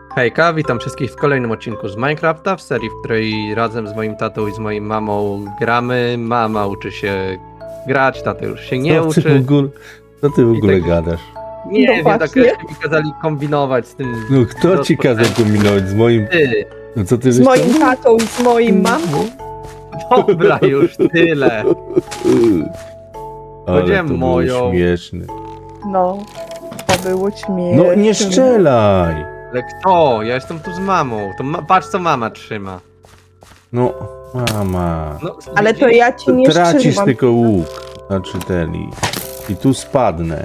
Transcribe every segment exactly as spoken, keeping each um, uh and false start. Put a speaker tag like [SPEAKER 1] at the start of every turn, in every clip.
[SPEAKER 1] Hejka, witam wszystkich w kolejnym odcinku z Minecrafta, w serii, w której razem z moim tatą i z moją mamą gramy. Mama uczy się grać, tata już się nie
[SPEAKER 2] Co ty
[SPEAKER 1] uczy.
[SPEAKER 2] w ogóle, co ty w
[SPEAKER 1] I
[SPEAKER 2] ogóle
[SPEAKER 1] tak-
[SPEAKER 2] gadasz?
[SPEAKER 1] Nie
[SPEAKER 3] No
[SPEAKER 1] wiem, tak
[SPEAKER 3] właśnie.
[SPEAKER 1] jeszcze mi kazali kombinować z tym.
[SPEAKER 2] No kto ci kazał kombinować z moim...
[SPEAKER 1] Ty,
[SPEAKER 2] No co ty
[SPEAKER 3] Z
[SPEAKER 2] żeś
[SPEAKER 3] moim
[SPEAKER 2] tam-
[SPEAKER 3] tatą i z moim mamą?
[SPEAKER 1] dobra, już tyle.
[SPEAKER 2] Ale
[SPEAKER 1] Powiedziałem
[SPEAKER 2] to
[SPEAKER 1] moją.
[SPEAKER 2] było śmieszne.
[SPEAKER 3] No, to było śmieszne.
[SPEAKER 2] No nie strzelaj!
[SPEAKER 1] Ale kto? Ja jestem tu z mamą. To ma, patrz, co mama trzyma.
[SPEAKER 2] No, mama.
[SPEAKER 1] No,
[SPEAKER 3] Ale to ja ci nie
[SPEAKER 2] Tracisz
[SPEAKER 3] strzelam.
[SPEAKER 2] tylko łuk. Znaczy ten i... I tu spadnę.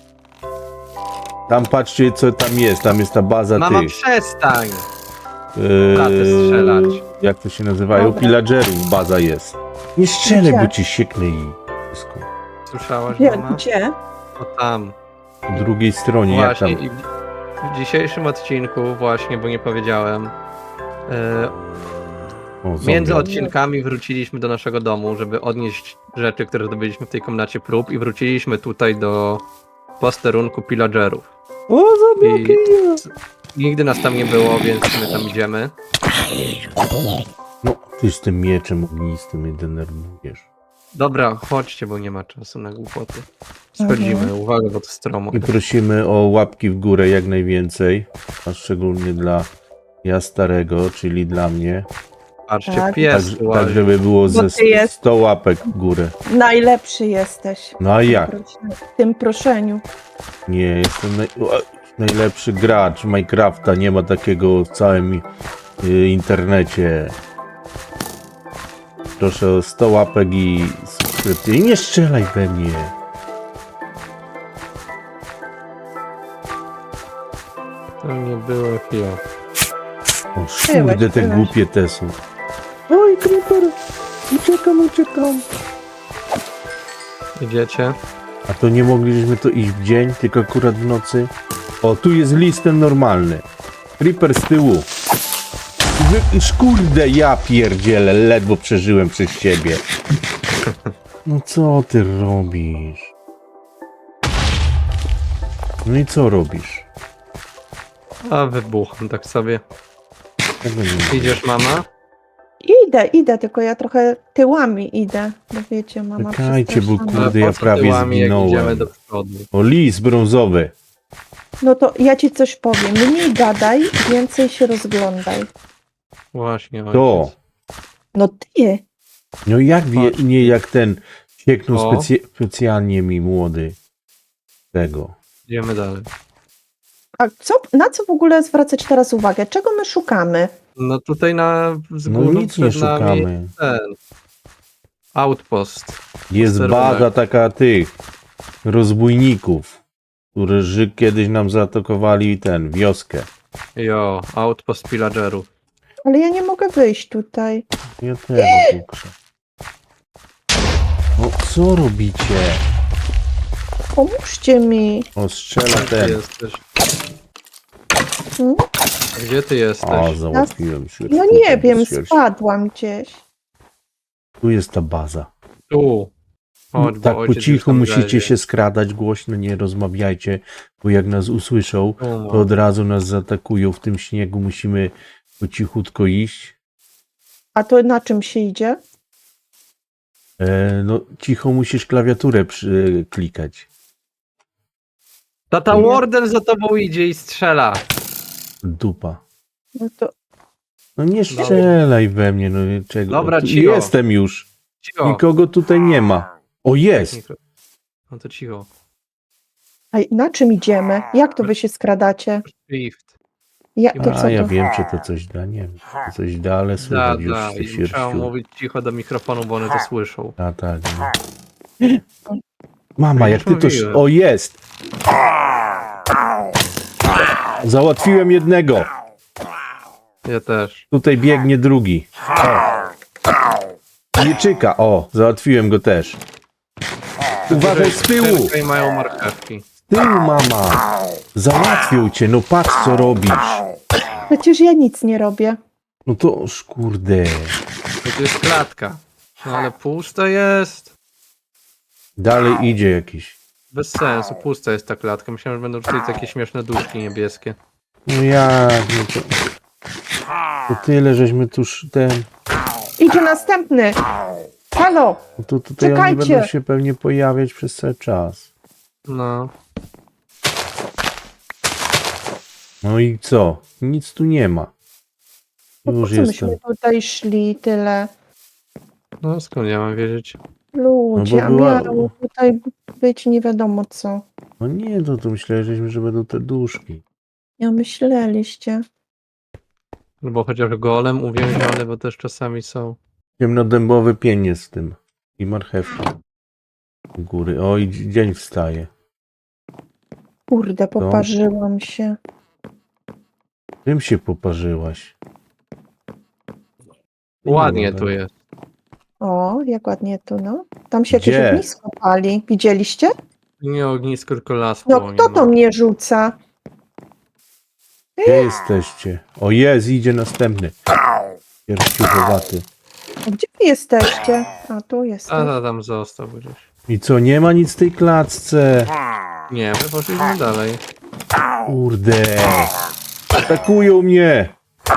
[SPEAKER 2] Tam patrzcie co tam jest, tam jest ta baza
[SPEAKER 1] Mama,
[SPEAKER 2] tych...
[SPEAKER 1] przestań.
[SPEAKER 2] Yy,
[SPEAKER 1] Taty strzelać.
[SPEAKER 2] jak to się nazywają?
[SPEAKER 3] Dobra.
[SPEAKER 2] Pillagerów baza jest. Nie strzelaj,
[SPEAKER 3] Gdzie?
[SPEAKER 2] bo ci sieknę i... wszystko.
[SPEAKER 1] Słyszałaś,
[SPEAKER 3] Gdzie?
[SPEAKER 1] mama?
[SPEAKER 3] Gdzie?
[SPEAKER 1] O tam.
[SPEAKER 2] Po drugiej stronie, jak
[SPEAKER 1] Właśnie
[SPEAKER 2] tam...
[SPEAKER 1] i w, w dzisiejszym odcinku właśnie, bo nie powiedziałem, e,
[SPEAKER 2] O,
[SPEAKER 1] między
[SPEAKER 2] zombie.
[SPEAKER 1] odcinkami wróciliśmy do naszego domu, żeby odnieść rzeczy, które zdobyliśmy w tej komnacie prób i wróciliśmy tutaj do posterunku pillagerów.
[SPEAKER 2] O, zombie!
[SPEAKER 1] I nigdy nas tam nie było, więc my tam idziemy.
[SPEAKER 2] No, ty z tym mieczem ognistym mnie denerwujesz.
[SPEAKER 1] Dobra, chodźcie, bo nie ma czasu na głupoty. Schodzimy,
[SPEAKER 3] Mhm.
[SPEAKER 1] uwaga, bo to stromo.
[SPEAKER 2] I prosimy o łapki w górę jak najwięcej, a szczególnie dla ja starego, czyli dla mnie.
[SPEAKER 1] Patrzcie,
[SPEAKER 3] Tak.
[SPEAKER 1] pies
[SPEAKER 2] Tak,
[SPEAKER 1] łazi.
[SPEAKER 2] tak żeby było ze
[SPEAKER 3] ty jest-
[SPEAKER 2] sto łapek w górę.
[SPEAKER 3] Najlepszy jesteś.
[SPEAKER 2] No a jak?
[SPEAKER 3] W tym proszeniu.
[SPEAKER 2] Nie, jestem naj... o, najlepszy gracz Minecrafta, nie ma takiego w całym y, internecie. Proszę o sto łapek i subskrypcję. I nie strzelaj we mnie.
[SPEAKER 1] To nie było chwila.
[SPEAKER 2] O,
[SPEAKER 3] Byłeś,
[SPEAKER 2] kurde, te
[SPEAKER 3] byłeś.
[SPEAKER 2] głupie te są. Oj, creeper! Uciekam, uciekam.
[SPEAKER 1] Idziecie?
[SPEAKER 2] A to nie mogliśmy to iść w dzień, tylko akurat w nocy? O, tu jest listem normalny. Creeper z tyłu. Wy... Kurde, ja pierdzielę, ledwo przeżyłem przez ciebie. No co ty robisz? No i co robisz?
[SPEAKER 1] A wybucham tak sobie.
[SPEAKER 2] Tego nie ma.
[SPEAKER 1] Idziesz, mama?
[SPEAKER 3] Idę, idę, tylko ja trochę tyłami idę. Bo wiecie, mama
[SPEAKER 2] Czekajcie, bo
[SPEAKER 3] przestraszona.
[SPEAKER 2] kurde, ja
[SPEAKER 1] po co
[SPEAKER 2] prawie
[SPEAKER 1] tyłami, jak
[SPEAKER 2] zginąłem.
[SPEAKER 1] idziemy do przodu.
[SPEAKER 2] O, lis brązowy.
[SPEAKER 3] No to ja ci coś powiem. Mniej gadaj, więcej się rozglądaj.
[SPEAKER 1] Właśnie,
[SPEAKER 2] To.
[SPEAKER 1] ojciec.
[SPEAKER 3] No ty.
[SPEAKER 2] No jak wie,
[SPEAKER 1] Chodź.
[SPEAKER 2] nie jak ten sieknął
[SPEAKER 1] O.
[SPEAKER 2] specy... specjalnie mi młody. Tego.
[SPEAKER 1] Idziemy dalej.
[SPEAKER 3] A co, na co w ogóle zwracać teraz uwagę? Czego my szukamy?
[SPEAKER 1] No tutaj na z
[SPEAKER 2] No
[SPEAKER 1] górą
[SPEAKER 2] nic nie
[SPEAKER 1] przed nami
[SPEAKER 2] szukamy.
[SPEAKER 1] ten outpost.
[SPEAKER 2] Jest
[SPEAKER 1] Posterunek.
[SPEAKER 2] baza taka tych rozbójników, którzy kiedyś nam zaatakowali ten, wioskę.
[SPEAKER 1] Jo, outpost pillagerów.
[SPEAKER 3] Ale ja nie mogę wyjść tutaj.
[SPEAKER 2] Ja też pokuszę. No co robicie?
[SPEAKER 3] Pomóżcie mi.
[SPEAKER 2] O, strzela
[SPEAKER 1] Gdzie ty
[SPEAKER 2] ten.
[SPEAKER 1] jesteś?
[SPEAKER 3] Hmm?
[SPEAKER 1] A Gdzie ty jesteś?
[SPEAKER 2] O, załatwiłem się.
[SPEAKER 3] No nie wiem, spadłam gdzieś.
[SPEAKER 2] Tu jest ta baza.
[SPEAKER 1] Tu. Chodź, bo
[SPEAKER 2] Tak po
[SPEAKER 1] ojciec już
[SPEAKER 2] cichu
[SPEAKER 1] tam
[SPEAKER 2] musicie
[SPEAKER 1] lezie.
[SPEAKER 2] się skradać, głośno nie rozmawiajcie, bo jak nas usłyszą,
[SPEAKER 1] Tu, no.
[SPEAKER 2] to od razu nas zaatakują. W tym śniegu musimy po cichutko iść.
[SPEAKER 3] A to na czym się idzie?
[SPEAKER 2] E, no cicho musisz klawiaturę przy, klikać.
[SPEAKER 1] Tata Warden za tobą idzie i strzela.
[SPEAKER 2] Dupa.
[SPEAKER 3] No to
[SPEAKER 2] No nie strzelaj we mnie, no czego?
[SPEAKER 1] Dobra,
[SPEAKER 2] Tu
[SPEAKER 1] cicho.
[SPEAKER 2] Jestem już.
[SPEAKER 1] Cicho.
[SPEAKER 2] Nikogo tutaj nie ma. O, jest!
[SPEAKER 1] No to cicho.
[SPEAKER 3] a na czym idziemy? Jak to wy się skradacie?
[SPEAKER 1] Shift.
[SPEAKER 3] Ja, to co
[SPEAKER 2] A ja
[SPEAKER 3] to?
[SPEAKER 2] wiem, czy to coś da, nie wiem. Czy to coś da, ale
[SPEAKER 1] Da,
[SPEAKER 2] słychać już
[SPEAKER 1] da.
[SPEAKER 2] z
[SPEAKER 1] I
[SPEAKER 2] tych
[SPEAKER 1] trzeba
[SPEAKER 2] sierściu.
[SPEAKER 1] mówić cicho do mikrofonu, bo one to słyszą.
[SPEAKER 2] A tak, no. Mama, jak ty to...
[SPEAKER 1] Mówiłem.
[SPEAKER 2] O, jest! Załatwiłem jednego.
[SPEAKER 1] Ja też.
[SPEAKER 2] Tutaj biegnie drugi. O. Mieczyka, o, załatwiłem go też. Uważaj z tyłu!
[SPEAKER 1] Tutaj mają marchewki.
[SPEAKER 2] Z tyłu, mama! Załatwił cię, no patrz co robisz.
[SPEAKER 3] Przecież ja nic nie robię.
[SPEAKER 2] No to, ż, kurde.
[SPEAKER 1] To tu jest klatka. No ale pusta jest.
[SPEAKER 2] Dalej idzie jakiś.
[SPEAKER 1] Bez sensu, pusta jest ta klatka. Myślałem, że będą tutaj takie śmieszne duszki niebieskie.
[SPEAKER 2] No jak, no to... To tyle, żeśmy tuż ten...
[SPEAKER 3] Idzie następny. Halo,
[SPEAKER 2] No to tutaj oni
[SPEAKER 3] Czekajcie.
[SPEAKER 2] będą się pewnie pojawiać przez cały czas.
[SPEAKER 1] No.
[SPEAKER 2] No i co? Nic tu nie ma.
[SPEAKER 3] no po
[SPEAKER 2] Już
[SPEAKER 3] co
[SPEAKER 2] jestem.
[SPEAKER 3] myśmy tutaj szli tyle?
[SPEAKER 1] No skąd ja mam wiedzieć?
[SPEAKER 3] Ludzie,
[SPEAKER 2] No bo
[SPEAKER 3] a
[SPEAKER 2] była-
[SPEAKER 3] miało tutaj być nie wiadomo co.
[SPEAKER 2] No nie, to, to myśleliśmy, że będą te duszki.
[SPEAKER 3] Ja myśleliście.
[SPEAKER 1] No bo chociaż golem uwięziony, bo też czasami są.
[SPEAKER 2] Ciemnodębowy pień jest w tym. I marchewki. U góry. O, i dzi- dzień wstaje.
[SPEAKER 3] Kurde, poparzyłam się.
[SPEAKER 2] Czym się poparzyłaś? Nie
[SPEAKER 1] Ładnie
[SPEAKER 2] ma
[SPEAKER 1] tu
[SPEAKER 2] tak.
[SPEAKER 1] jest.
[SPEAKER 3] O, jak ładnie tu, no. Tam się jakieś
[SPEAKER 2] Gdzie?
[SPEAKER 3] ognisko pali. Widzieliście?
[SPEAKER 1] Nie ognisko, tylko las
[SPEAKER 3] No
[SPEAKER 1] płonie,
[SPEAKER 3] kto to mnie rzuca?
[SPEAKER 2] Gdzie jesteście? O, jest, idzie następny. Pierściuchowaty.
[SPEAKER 3] A gdzie wy jesteście? A, tu jest.
[SPEAKER 1] A ta tam został gdzieś.
[SPEAKER 2] I co, nie ma nic w tej klatce?
[SPEAKER 1] Nie, my poszliśmy dalej.
[SPEAKER 2] Kurde. Atakują mnie.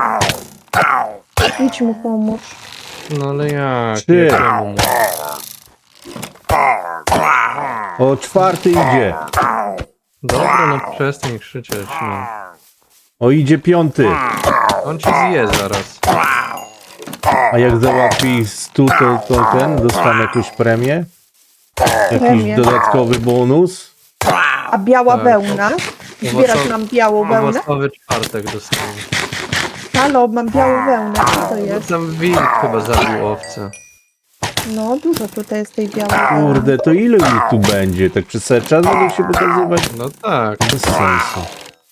[SPEAKER 3] Idź mu pomóż.
[SPEAKER 1] No ale jak?
[SPEAKER 2] Ty.
[SPEAKER 1] Jakiemu mu?
[SPEAKER 2] O, czwarty idzie.
[SPEAKER 1] Dobra, no przestań krzyczeć, no.
[SPEAKER 2] O, idzie piąty.
[SPEAKER 1] On ci zje zaraz.
[SPEAKER 2] A jak załatwi stu, to, to ten dostanę jakąś premię? Jakiś
[SPEAKER 3] Premię.
[SPEAKER 2] dodatkowy bonus?
[SPEAKER 3] A biała
[SPEAKER 1] Tak.
[SPEAKER 3] wełna? Zbierać
[SPEAKER 1] Owocowy-
[SPEAKER 3] mam białą wełnę?
[SPEAKER 1] Owocowy czwartek dostałem.
[SPEAKER 3] Halo, mam białą wełnę. Co to
[SPEAKER 1] No
[SPEAKER 3] jest?
[SPEAKER 1] tam wilk chyba zabił owcę.
[SPEAKER 3] No, dużo tutaj jest tej białej wełny.
[SPEAKER 2] Kurde, to ile ich tu będzie? Tak przez cały czas będą się pokazywać?
[SPEAKER 1] No tak.
[SPEAKER 2] Bez sensu.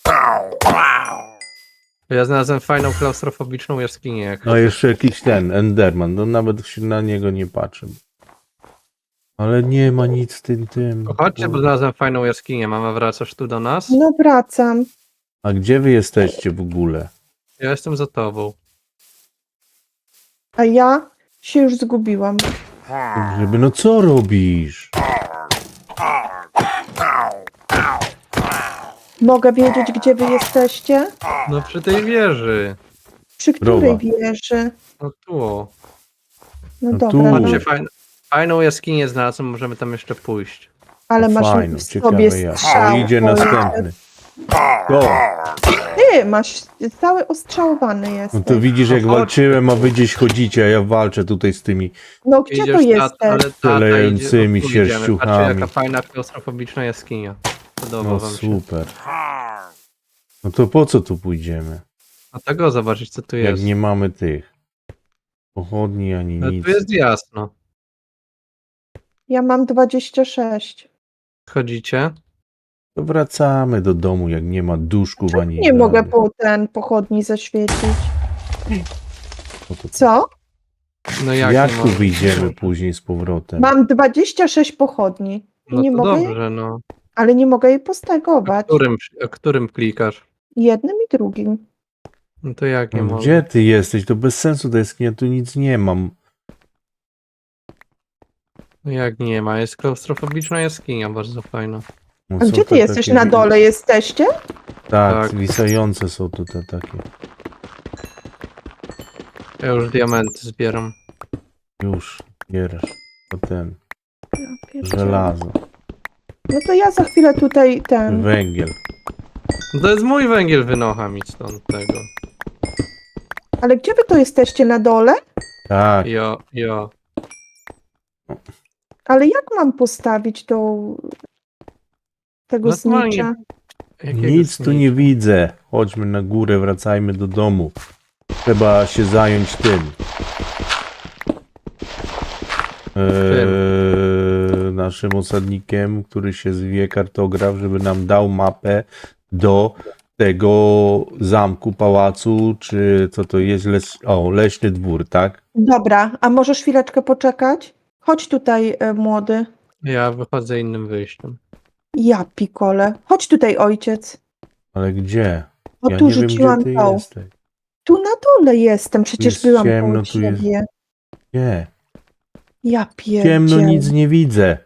[SPEAKER 1] Ja znalazłem fajną klaustrofobiczną jaskinię. Jak
[SPEAKER 2] No jeszcze jakiś ten, Enderman, no nawet się na niego nie patrzę. Ale nie ma nic w tym tym.
[SPEAKER 1] Chodźcie, bo znalazłem fajną jaskinię. Mama, wracasz tu do nas?
[SPEAKER 3] No wracam.
[SPEAKER 2] A gdzie wy jesteście w ogóle?
[SPEAKER 1] Ja jestem za tobą.
[SPEAKER 3] A ja się już zgubiłam.
[SPEAKER 2] Żeby, no co robisz?
[SPEAKER 3] Mogę wiedzieć, gdzie wy jesteście?
[SPEAKER 1] No przy tej wieży.
[SPEAKER 3] Przy której
[SPEAKER 2] Zdrowa.
[SPEAKER 3] wieży?
[SPEAKER 1] No tu. o.
[SPEAKER 3] No
[SPEAKER 2] No
[SPEAKER 3] dobra,
[SPEAKER 2] tu.
[SPEAKER 3] no,
[SPEAKER 1] Chodźcie, fajn, fajną jaskinię znalazłem, możemy tam jeszcze pójść.
[SPEAKER 3] ale masz
[SPEAKER 2] Fajno,
[SPEAKER 3] w
[SPEAKER 2] ciekawe
[SPEAKER 3] sobie
[SPEAKER 2] jak. O,
[SPEAKER 3] strzał.
[SPEAKER 2] idzie
[SPEAKER 3] Ojcze.
[SPEAKER 2] następny. To,
[SPEAKER 3] Ty masz cały ostrzałowany jest.
[SPEAKER 2] no to widzisz jak
[SPEAKER 1] No chodź.
[SPEAKER 2] walczyłem, a wy gdzieś chodzicie, a ja walczę tutaj z tymi.
[SPEAKER 3] No gdzie to
[SPEAKER 1] Idziesz,
[SPEAKER 3] jesteś?
[SPEAKER 1] ale tata
[SPEAKER 2] Szalejącymi
[SPEAKER 1] idzie, o, tu idziemy.
[SPEAKER 2] sierściuchami.
[SPEAKER 1] Patrzcie, jaka fajna klaustrofobiczna jaskinia. Podoba
[SPEAKER 2] No
[SPEAKER 1] wam się.
[SPEAKER 2] super. No to po co tu pójdziemy?
[SPEAKER 1] A tego zobaczyć, co tu
[SPEAKER 2] Jak
[SPEAKER 1] jest.
[SPEAKER 2] nie mamy tych pochodni ani
[SPEAKER 1] No
[SPEAKER 2] nic.
[SPEAKER 1] tu jest jasno.
[SPEAKER 3] Ja mam dwadzieścia sześć.
[SPEAKER 1] Chodzicie?
[SPEAKER 2] To wracamy do domu, jak nie ma duszków ani
[SPEAKER 3] Nie mogę
[SPEAKER 2] rady.
[SPEAKER 3] po ten pochodni zaświecić.
[SPEAKER 2] No to
[SPEAKER 3] Co?
[SPEAKER 1] No
[SPEAKER 2] jak
[SPEAKER 1] jak,
[SPEAKER 2] jak
[SPEAKER 1] nie
[SPEAKER 2] tu
[SPEAKER 1] ma-
[SPEAKER 2] wyjdziemy później z powrotem?
[SPEAKER 3] Mam dwadzieścia sześć pochodni. I
[SPEAKER 1] No
[SPEAKER 3] nie
[SPEAKER 1] to
[SPEAKER 3] mogę, jej-
[SPEAKER 1] dobrze, no.
[SPEAKER 3] ale nie mogę jej
[SPEAKER 1] A
[SPEAKER 3] postegować.
[SPEAKER 1] którym, a którym klikasz?
[SPEAKER 3] Jednym i drugim.
[SPEAKER 1] No to jak nie
[SPEAKER 2] No,
[SPEAKER 1] mogę?
[SPEAKER 2] gdzie ty jesteś? To bez sensu, to jest, ja tu nic nie mam.
[SPEAKER 1] No jak nie ma? Jest klaustrofobiczna jaskinia, bardzo fajna.
[SPEAKER 2] No,
[SPEAKER 3] A
[SPEAKER 2] są
[SPEAKER 3] gdzie ty
[SPEAKER 2] te
[SPEAKER 3] jesteś?
[SPEAKER 2] takie
[SPEAKER 3] Na
[SPEAKER 2] wi-
[SPEAKER 3] dole jesteście?
[SPEAKER 2] Tak,
[SPEAKER 1] Tak.
[SPEAKER 2] wisające są tutaj takie.
[SPEAKER 1] Ja już diamenty zbieram.
[SPEAKER 2] Już, bierzesz. To ten,
[SPEAKER 3] Ja pierdzielę.
[SPEAKER 2] żelazo,
[SPEAKER 3] No to ja za chwilę tutaj ten.
[SPEAKER 2] węgiel.
[SPEAKER 1] No to jest mój węgiel, wynocha mi stąd tego.
[SPEAKER 3] Ale gdzie wy to jesteście? Na dole?
[SPEAKER 2] Tak,
[SPEAKER 1] Jo, jo.
[SPEAKER 3] Ale jak mam postawić to tego
[SPEAKER 1] Normalnie.
[SPEAKER 3] znicza?
[SPEAKER 1] Jakiego
[SPEAKER 2] nic tu
[SPEAKER 1] sni-
[SPEAKER 2] nie widzę. Chodźmy na górę, wracajmy do domu. Trzeba się zająć tym. Eee, naszym osadnikiem, który się zwie kartograf, żeby nam dał mapę do tego zamku, pałacu, czy co to jest, les... o, leśny dwór, tak?
[SPEAKER 3] Dobra, a możesz chwileczkę poczekać? Chodź tutaj, e, młody.
[SPEAKER 1] Ja wychodzę innym wyjściem.
[SPEAKER 3] Ja pikole. Chodź tutaj, ojciec.
[SPEAKER 2] Ale gdzie?
[SPEAKER 3] O
[SPEAKER 2] Ja
[SPEAKER 3] tu
[SPEAKER 2] nie wiem,
[SPEAKER 3] rzuciłam
[SPEAKER 2] gdzie ty
[SPEAKER 3] tą.
[SPEAKER 2] jesteś.
[SPEAKER 3] Tu na dole jestem, przecież
[SPEAKER 2] Jest
[SPEAKER 3] byłam
[SPEAKER 2] ciemno,
[SPEAKER 3] koło
[SPEAKER 2] tu jest-
[SPEAKER 3] siebie.
[SPEAKER 2] Nie,
[SPEAKER 3] Ja pierdzielę.
[SPEAKER 2] ciemno, nic nie widzę.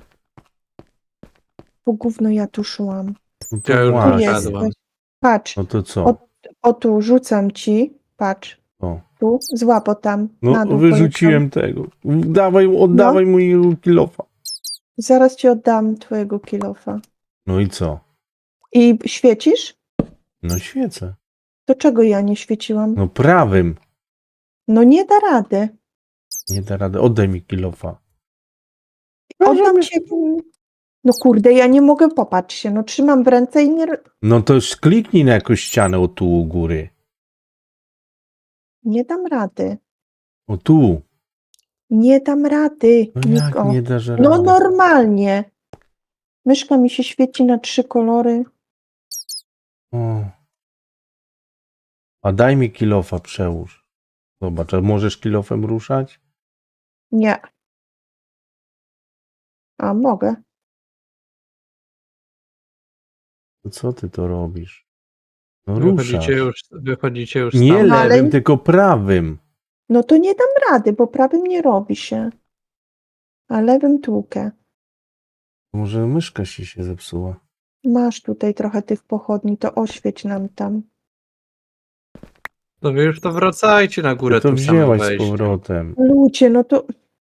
[SPEAKER 3] Po gówno ja tu szłam.
[SPEAKER 2] No to
[SPEAKER 1] Ja już
[SPEAKER 3] Tu
[SPEAKER 2] właśnie.
[SPEAKER 1] Jadłem.
[SPEAKER 3] jesteś. Patrz,
[SPEAKER 2] No to co?
[SPEAKER 3] Od- O tu, rzucam ci. Patrz.
[SPEAKER 2] O.
[SPEAKER 3] Tu, złap o tam. na
[SPEAKER 2] No,
[SPEAKER 3] dół
[SPEAKER 2] wyrzuciłem tego. Dawaj, oddawaj mój kilofa.
[SPEAKER 3] polecam. Zaraz ci oddam twojego kilofa.
[SPEAKER 2] No i co?
[SPEAKER 3] I świecisz?
[SPEAKER 2] No świecę.
[SPEAKER 3] To czego ja nie świeciłam?
[SPEAKER 2] No prawym.
[SPEAKER 3] No nie da rady.
[SPEAKER 2] Nie da rady. Oddaj mi kilofa.
[SPEAKER 3] Oddam ci. No kurde, ja nie mogę, popatrz się. No trzymam w ręce i nie...
[SPEAKER 2] No to już kliknij na jakąś ścianę o tu u góry.
[SPEAKER 3] Nie dam rady.
[SPEAKER 2] O tu.
[SPEAKER 3] Nie dam rady.
[SPEAKER 2] No jak
[SPEAKER 3] Niko.
[SPEAKER 2] nie dasz rady?
[SPEAKER 3] No normalnie. Myszka mi się świeci na trzy kolory.
[SPEAKER 2] O. A daj mi kilofa, przełóż. Zobacz, a możesz kilofem ruszać?
[SPEAKER 3] Nie. A mogę.
[SPEAKER 2] To co ty to robisz? No ruszasz.
[SPEAKER 1] Wychodzicie już, wychodzicie już
[SPEAKER 2] Nie
[SPEAKER 1] stamtąd.
[SPEAKER 3] ale-
[SPEAKER 2] lewym, tylko prawym.
[SPEAKER 3] No to nie dam rady, bo prawym nie robi się. A lewym tłukę.
[SPEAKER 2] Może myszka ci się zepsuła.
[SPEAKER 3] Masz tutaj trochę tych pochodni, to oświeć nam tam.
[SPEAKER 1] To wy już to wracajcie na górę
[SPEAKER 2] Ty to
[SPEAKER 1] tym samym
[SPEAKER 2] wzięłaś z
[SPEAKER 1] wejściem.
[SPEAKER 2] powrotem.
[SPEAKER 3] Ludzie, no to...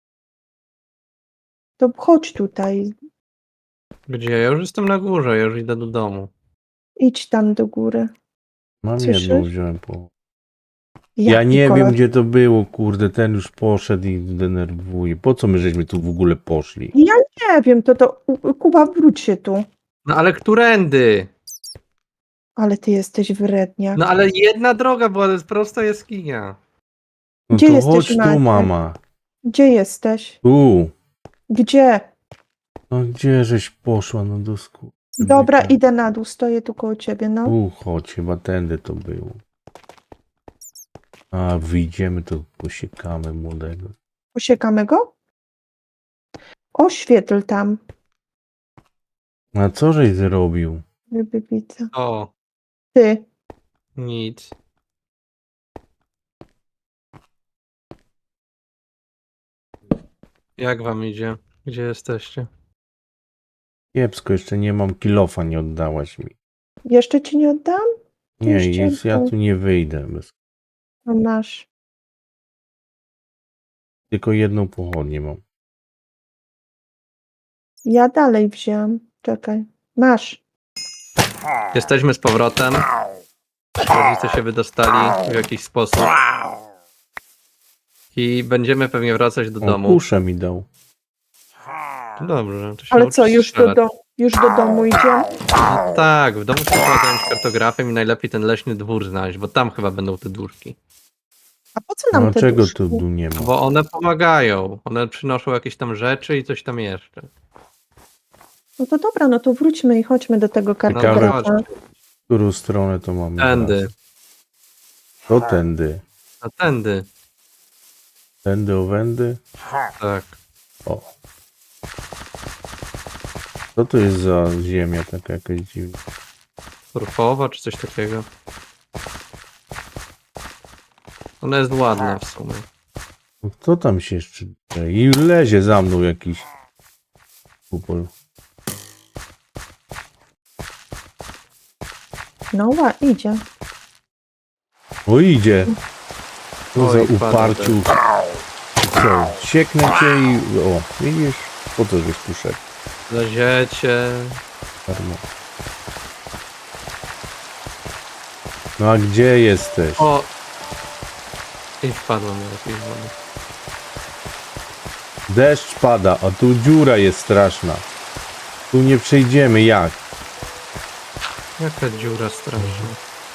[SPEAKER 3] To chodź tutaj.
[SPEAKER 1] Gdzie? Ja już jestem na górze, ja już idę do domu.
[SPEAKER 3] Idź tam do góry.
[SPEAKER 2] Mam
[SPEAKER 3] Słyszysz?
[SPEAKER 2] jedną, wziąłem po... Ja
[SPEAKER 3] Jaki
[SPEAKER 2] nie
[SPEAKER 3] kolor?
[SPEAKER 2] wiem, gdzie to było, kurde, ten już poszedł i denerwuje. Po co my żeśmy tu w ogóle poszli?
[SPEAKER 3] Ja nie wiem, to to... U- Kuba, wróć się tu.
[SPEAKER 1] No ale którędy?
[SPEAKER 3] Ale ty jesteś wredniak.
[SPEAKER 1] No ale jedna droga była, to jest prosta jaskinia.
[SPEAKER 2] No
[SPEAKER 3] Gdzie
[SPEAKER 2] to
[SPEAKER 3] jesteś,
[SPEAKER 2] chodź tu,
[SPEAKER 3] Maciek?
[SPEAKER 2] mama.
[SPEAKER 3] Gdzie jesteś?
[SPEAKER 2] Tu.
[SPEAKER 3] Gdzie?
[SPEAKER 2] No gdzie żeś poszła, no do sku...
[SPEAKER 3] Dobra, idę na dół, stoję tu koło ciebie, no.
[SPEAKER 2] Tu chodź, chyba tędy to było. A, wyjdziemy, to posiekamy młodego.
[SPEAKER 3] Posiekamy go? Oświetl tam.
[SPEAKER 2] A co żeś zrobił?
[SPEAKER 3] Ryby widzę.
[SPEAKER 1] O,
[SPEAKER 3] Ty.
[SPEAKER 1] nic. Jak wam idzie? Gdzie jesteście?
[SPEAKER 2] Kiepsko, jeszcze nie mam kilofa, nie oddałaś mi.
[SPEAKER 3] Jeszcze ci nie oddam?
[SPEAKER 2] Nie,
[SPEAKER 3] Jeszcze
[SPEAKER 2] jest, ja
[SPEAKER 3] to-
[SPEAKER 2] tu nie wyjdę. Bez...
[SPEAKER 3] No masz.
[SPEAKER 2] Tylko jedną pochodnię mam.
[SPEAKER 3] Ja dalej wziąłem. Czekaj. Masz.
[SPEAKER 1] Jesteśmy z powrotem. Rodzice się wydostali w jakiś sposób. I będziemy pewnie wracać do
[SPEAKER 2] O,
[SPEAKER 1] domu.
[SPEAKER 2] kuszę mi dał.
[SPEAKER 1] Dobrze, to się
[SPEAKER 3] Ale
[SPEAKER 1] nauczysz
[SPEAKER 3] co, już do,
[SPEAKER 1] strzelać.
[SPEAKER 3] do, już do domu idziemy?
[SPEAKER 1] No tak, w domu trzeba zająć kartografem i najlepiej ten leśny dwór znaleźć, bo tam chyba będą te duszki.
[SPEAKER 3] A po co nam
[SPEAKER 2] No
[SPEAKER 3] te
[SPEAKER 2] czego
[SPEAKER 3] duszki?
[SPEAKER 2] tu tu nie ma?
[SPEAKER 1] Bo one pomagają. One przynoszą jakieś tam rzeczy i coś tam jeszcze.
[SPEAKER 3] No to dobra, no to wróćmy i chodźmy do tego
[SPEAKER 1] Ciekawe.
[SPEAKER 3] kartografa.
[SPEAKER 2] W którą stronę to mamy?
[SPEAKER 1] Tędy.
[SPEAKER 2] teraz? To tędy.
[SPEAKER 1] A tędy.
[SPEAKER 2] Tędy, owędy.
[SPEAKER 1] Tak.
[SPEAKER 2] O. Co to jest za ziemia taka jakaś dziwna?
[SPEAKER 1] Surfowa czy coś takiego. Ona jest ładna w sumie.
[SPEAKER 2] No kto tam się jeszcze... I lezie za mną jakiś kupol.
[SPEAKER 3] No ła, idzie.
[SPEAKER 2] O, idzie. Co za
[SPEAKER 1] Oj, padł
[SPEAKER 2] uparciu. Co? Sieknę cię i... O, widzisz? Po to żeś tu szedł.
[SPEAKER 1] Leziecie.
[SPEAKER 2] Darmo. No a gdzie jesteś?
[SPEAKER 1] O! I wpadłem do jakiejś wody.
[SPEAKER 2] Deszcz pada, a tu dziura jest straszna. Tu nie przejdziemy, jak?
[SPEAKER 1] Jaka dziura straszna.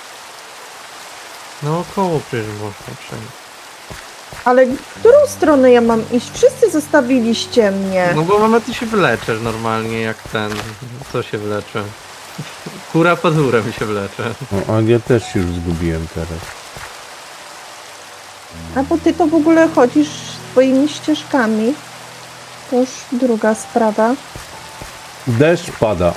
[SPEAKER 1] Naokoło przecież można przejść.
[SPEAKER 3] Ale w którą stronę ja mam iść? Wszyscy zostawiliście mnie.
[SPEAKER 1] No bo mama, ty się wyleczesz normalnie jak ten. Co się wyleczy? Kura pazurem się wlecze.
[SPEAKER 2] No, a ja też się już zgubiłem teraz.
[SPEAKER 3] A bo ty to w ogóle chodzisz swoimi ścieżkami. To już druga sprawa.
[SPEAKER 2] Deszcz pada.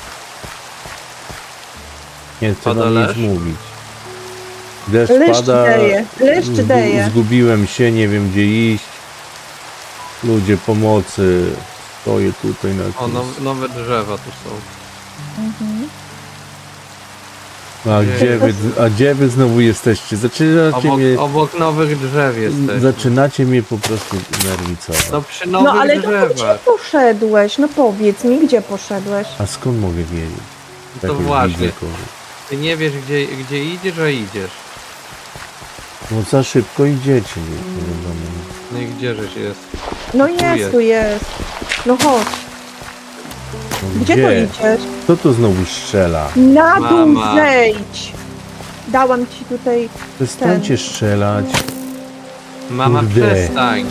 [SPEAKER 2] Nie chcę
[SPEAKER 1] Pada
[SPEAKER 2] wam nic
[SPEAKER 1] deszcz?
[SPEAKER 2] mówić. Deszcz
[SPEAKER 3] Leszcz
[SPEAKER 2] pada.
[SPEAKER 3] daje, leszcz
[SPEAKER 2] zgu-
[SPEAKER 3] daje.
[SPEAKER 2] Zgubiłem się, nie wiem gdzie iść. Ludzie pomocy. Stoję tutaj na
[SPEAKER 1] O,
[SPEAKER 2] jakimś...
[SPEAKER 1] now, nowe drzewa tu są.
[SPEAKER 3] Mhm.
[SPEAKER 2] A gdzie wy, a gdzie wy znowu jesteście? Zaczynacie
[SPEAKER 1] Obok,
[SPEAKER 2] mnie,
[SPEAKER 1] obok nowych drzew jesteś.
[SPEAKER 2] zaczynacie mnie po prostu nerwicować.
[SPEAKER 1] No przy
[SPEAKER 3] No
[SPEAKER 1] nowych
[SPEAKER 3] ale to gdzie
[SPEAKER 1] drzewach.
[SPEAKER 3] poszedłeś? No powiedz mi, gdzie poszedłeś?
[SPEAKER 2] A skąd mogę wiedzieć?
[SPEAKER 1] To
[SPEAKER 2] Jak już
[SPEAKER 1] właśnie.
[SPEAKER 2] widzę kogoś.
[SPEAKER 1] Ty nie wiesz gdzie, gdzie idziesz, a idziesz.
[SPEAKER 2] No za szybko idziecie, nie, nie wiadomo.
[SPEAKER 1] No i gdzieżeś jest?
[SPEAKER 3] No
[SPEAKER 1] Tu
[SPEAKER 3] jest,
[SPEAKER 1] jest.
[SPEAKER 3] tu jest. No chodź.
[SPEAKER 2] No
[SPEAKER 3] Gdzie to idziesz?
[SPEAKER 2] Kto to znowu strzela?
[SPEAKER 3] Na dół
[SPEAKER 1] Mama.
[SPEAKER 3] zejdź! Dałam ci tutaj...
[SPEAKER 2] Przestańcie strzelać.
[SPEAKER 1] Mama,
[SPEAKER 2] Kurde.
[SPEAKER 1] przestań.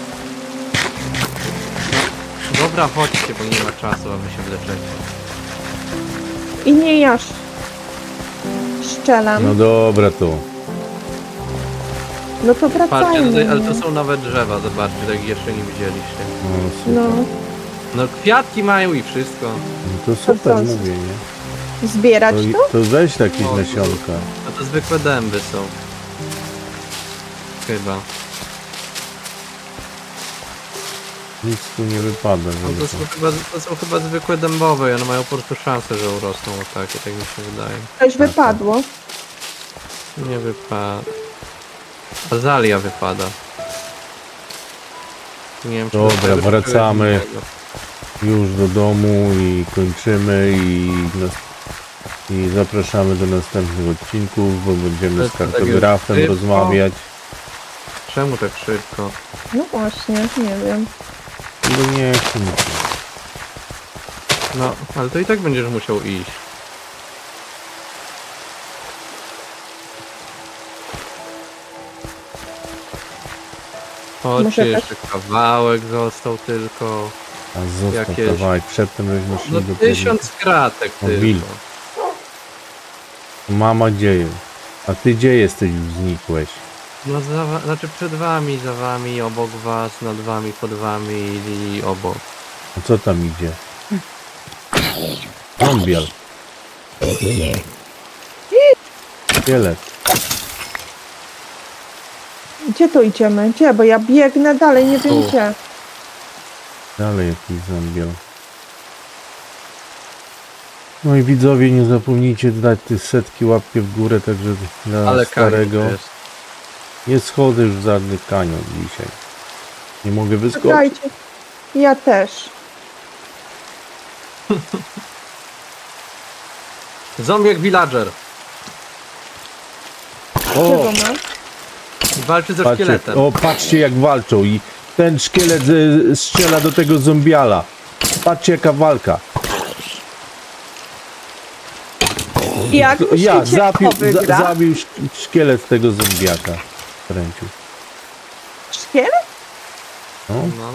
[SPEAKER 1] No, dobra, chodźcie, bo nie ma czasu, a wy się wleczecie.
[SPEAKER 3] I nie ja sz- strzelam.
[SPEAKER 2] No
[SPEAKER 3] No,
[SPEAKER 2] dobra to.
[SPEAKER 3] to
[SPEAKER 1] Patrzcie,
[SPEAKER 3] wracajmy.
[SPEAKER 1] tutaj, ale to są nowe drzewa, zobaczcie, tak jeszcze nie widzieliście.
[SPEAKER 2] No super.
[SPEAKER 3] No,
[SPEAKER 1] No kwiatki mają i wszystko.
[SPEAKER 2] No to super,
[SPEAKER 3] co?
[SPEAKER 2] mówię, nie?
[SPEAKER 3] zbierać
[SPEAKER 2] To,
[SPEAKER 3] to?
[SPEAKER 2] to weź jakieś
[SPEAKER 1] O,
[SPEAKER 2] nasionka.
[SPEAKER 1] A to zwykłe dęby są. Chyba.
[SPEAKER 2] Nic tu nie wypada,
[SPEAKER 1] No
[SPEAKER 2] żeby
[SPEAKER 1] to,
[SPEAKER 2] to...
[SPEAKER 1] są chyba, to są chyba zwykłe dębowe i one mają po prostu szansę, że urosną o takie, tak mi się wydaje.
[SPEAKER 3] Coś wypadło.
[SPEAKER 1] Nie wypada. Azalia wypada. Nie wiem, czy
[SPEAKER 2] Dobra,
[SPEAKER 1] to tego, czy
[SPEAKER 2] wracamy.
[SPEAKER 1] czegoś innego.
[SPEAKER 2] Już do domu i kończymy i, nas... i zapraszamy do następnych odcinków, bo będziemy z
[SPEAKER 1] To- to tak
[SPEAKER 2] kartografem
[SPEAKER 1] już szybko.
[SPEAKER 2] rozmawiać.
[SPEAKER 1] Czemu tak szybko?
[SPEAKER 3] No właśnie, nie wiem.
[SPEAKER 2] No nie chcę mi się.
[SPEAKER 1] No, ale to i tak będziesz musiał iść.
[SPEAKER 3] Może
[SPEAKER 1] Chodźcie,
[SPEAKER 3] tak-
[SPEAKER 1] jeszcze kawałek został tylko.
[SPEAKER 2] A został
[SPEAKER 1] Jakieś-
[SPEAKER 2] kawałek, przedtem żeśmy szli
[SPEAKER 1] No
[SPEAKER 2] do
[SPEAKER 1] tysiąc kratek
[SPEAKER 2] O, wilk.
[SPEAKER 1] tylko.
[SPEAKER 2] Mama dzieje. A ty gdzie jesteś już znikłeś?
[SPEAKER 1] No za, wa- znaczy przed wami, za wami, obok was, nad wami, pod wami i, i obok.
[SPEAKER 2] A co tam idzie? Zombial. Szkielet.
[SPEAKER 3] Gdzie to idziemy? Gdzie? Bo ja biegnę dalej, nie wiem
[SPEAKER 1] Tu.
[SPEAKER 3] gdzie.
[SPEAKER 2] Dalej jakiś zombiel. No i widzowie, nie zapomnijcie dać te setki łapki w górę, także dla
[SPEAKER 1] Ale
[SPEAKER 2] starego.
[SPEAKER 1] kanion jest.
[SPEAKER 2] Nie schodzę już w żadny kanion dzisiaj. Nie mogę wyskoczyć.
[SPEAKER 3] Czekajcie. Ja też.
[SPEAKER 1] Zombiak villager.
[SPEAKER 2] O,
[SPEAKER 3] Czego mam?
[SPEAKER 1] Walczy ze
[SPEAKER 2] patrzcie,
[SPEAKER 1] szkieletem.
[SPEAKER 2] o, patrzcie jak walczą i ten szkielet e, strzela do tego zombiala. Patrzcie jaka walka.
[SPEAKER 3] Jak
[SPEAKER 2] To
[SPEAKER 3] myślicie,
[SPEAKER 2] Ja,
[SPEAKER 3] kto
[SPEAKER 2] zabił, za,
[SPEAKER 3] wygra?
[SPEAKER 2] zabił szk- szkielet tego zombiaka. Kręcił.
[SPEAKER 3] Szkielet?
[SPEAKER 2] No,
[SPEAKER 1] No.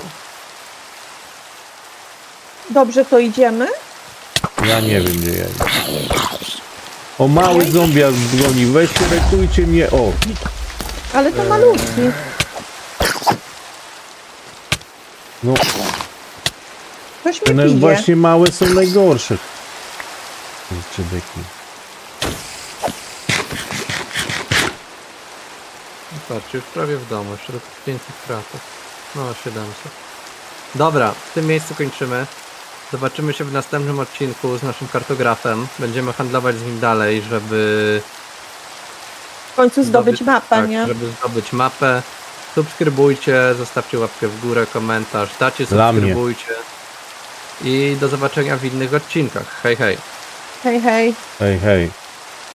[SPEAKER 3] Dobrze, to idziemy?
[SPEAKER 2] ja nie wiem gdzie ja jestem. O, mały zombiak broni, weźcie, ratujcie mnie, o.
[SPEAKER 3] Ale to malutki.
[SPEAKER 2] No,
[SPEAKER 3] Ktoś mnie
[SPEAKER 2] one
[SPEAKER 3] bije.
[SPEAKER 2] właśnie małe są najgorsze. Jeszcze beki.
[SPEAKER 1] Patrzcie, już prawie w domu, jeszcze tylko pięćset kratek. No, siedemset. Dobra, w tym miejscu kończymy. Zobaczymy się w następnym odcinku z naszym kartografem. Będziemy handlować z nim dalej, żeby
[SPEAKER 3] W końcu zdobyć mapę,
[SPEAKER 1] tak,
[SPEAKER 3] nie?
[SPEAKER 1] żeby zdobyć mapę. Subskrybujcie, zostawcie łapkę w górę, komentarz, dacie,
[SPEAKER 2] Dla mnie.
[SPEAKER 1] subskrybujcie. I do zobaczenia w innych odcinkach. Hej, hej.
[SPEAKER 3] Hej, hej.
[SPEAKER 2] Hej, hej.